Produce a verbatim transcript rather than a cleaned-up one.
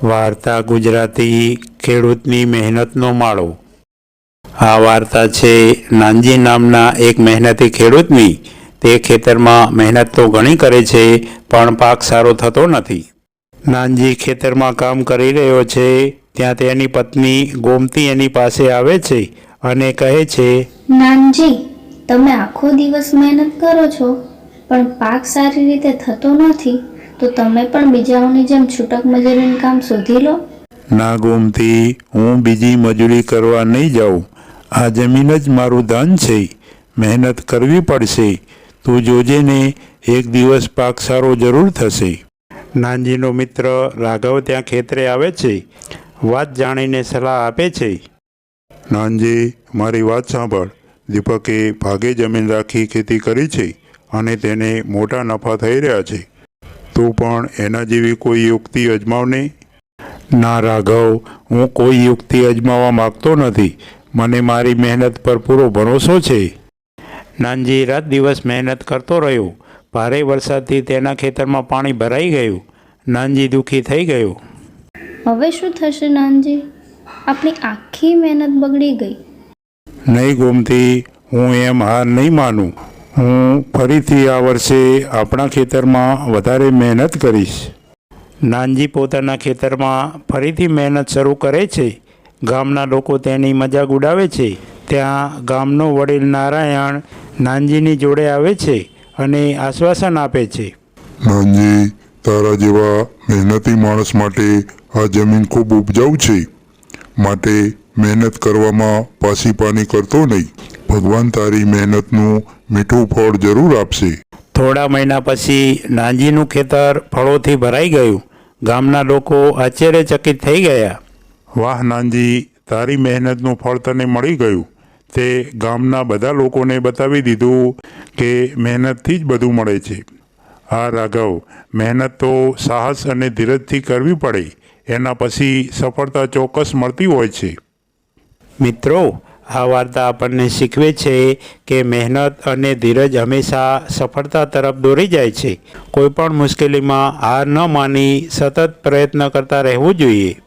વાર્તા ગુજરાતી ખેડૂતની મહેનતનો માળો। આ વાર્તા છે નાનજી નામના એક મહેનતી ખેડૂતની। તે ખેતરમાં મહેનત તો ઘણી કરે છે પણ પાક સારો થતો નથી। નાનજી ખેતરમાં કામ કરી રહ્યો છે ત્યાં તેની પત્ની ગોમતી એની પાસે આવે છે અને કહે છે, નાનજી, તમે આખો દિવસ મહેનત કરો છો પણ પાક સારી રીતે થતો નથી, તો તમે પણ બીજાઓની જેમ છૂટક મજૂરીનું કામ શોધી લો। ના ગોમતી, હું બીજી મજૂરી કરવા નહીં જાઉં। આ જમીન જ મારું ધન છે, મહેનત કરવી પડશે। તું જોજે ને, એક દિવસ પાક સારો જરૂર થશે। નાનજીનો મિત્ર રાઘવ ત્યાં ખેતરે આવે છે। વાત જાણીને સલાહ આપે છે। નાનજી, મારી વાત સાંભળ। દીપકે ભાગે જમીન રાખી ખેતી કરી છે અને તેને મોટા નફા થઈ રહ્યા છે। તું પણ એના જેવી કોઈ યુક્તિ અજમાવને। ના રાઘવ, હું કોઈ યુક્તિ અજમાવવા માગતો નથી। મને મારી મહેનત પર પૂરો ભરોસો છે। નાનજી રાત દિવસ મહેનત કરતો રહ્યો। ભારે વરસાદથી તેના ખેતરમાં પાણી ભરાઈ ગયું। નાનજી દુઃખી થઈ ગયો। હવે શું થશે નાનજી? આપણી આખી મહેનત બગડી ગઈ। નહીં ગોમતી, હું એમ હાર નહીં માનું। હું ફરીથી આ વર્ષે આપણા ખેતરમાં વધારે મહેનત કરીશ। નાનજી પોતાના ખેતરમાં ફરીથી મહેનત શરૂ કરે છે। ગામના લોકો તેની મજાક ઉડાવે છે। ત્યાં ગામનો વડીલ નારાયણ નાનજીની જોડે આવે છે અને આશ્વાસન આપે છે। નાનજી, તારા જેવા મહેનતી માણસ માટે આ જમીન ખૂબ ઉપજાઉ છે, માટે મહેનત કરવામાં પાછી પાની કરતો નહીં। ભગવાન તારી મહેનતનું મીઠું ફળ જરૂર આપશે। થોડા મહિના પછી નાનજીનું ખેતર ફળોથી ભરાઈ ગયું। ગામના લોકો આશ્ચર્યચકિત થઈ ગયા। વાહ નાનજી, તારી મહેનતનું ફળ તને મળી ગયું। તે ગામના બધા લોકોને બતાવી દીધું કે મહેનતથી જ બધું મળે છે। હા રાઘવ, મહેનત તો સાહસ અને ધીરજથી કરવી પડે, એના પછી સફળતા ચોક્કસ મળતી હોય છે। મિત્રો, આ વાર્તા આપણને શીખવે છે કે મહેનત અને ધીરજ હંમેશા સફળતા તરફ દોરી જાય છે। કોઈ પણ મુશ્કેલીમાં હાર ન માની સતત પ્રયત્ન કરતા રહેવું જોઈએ।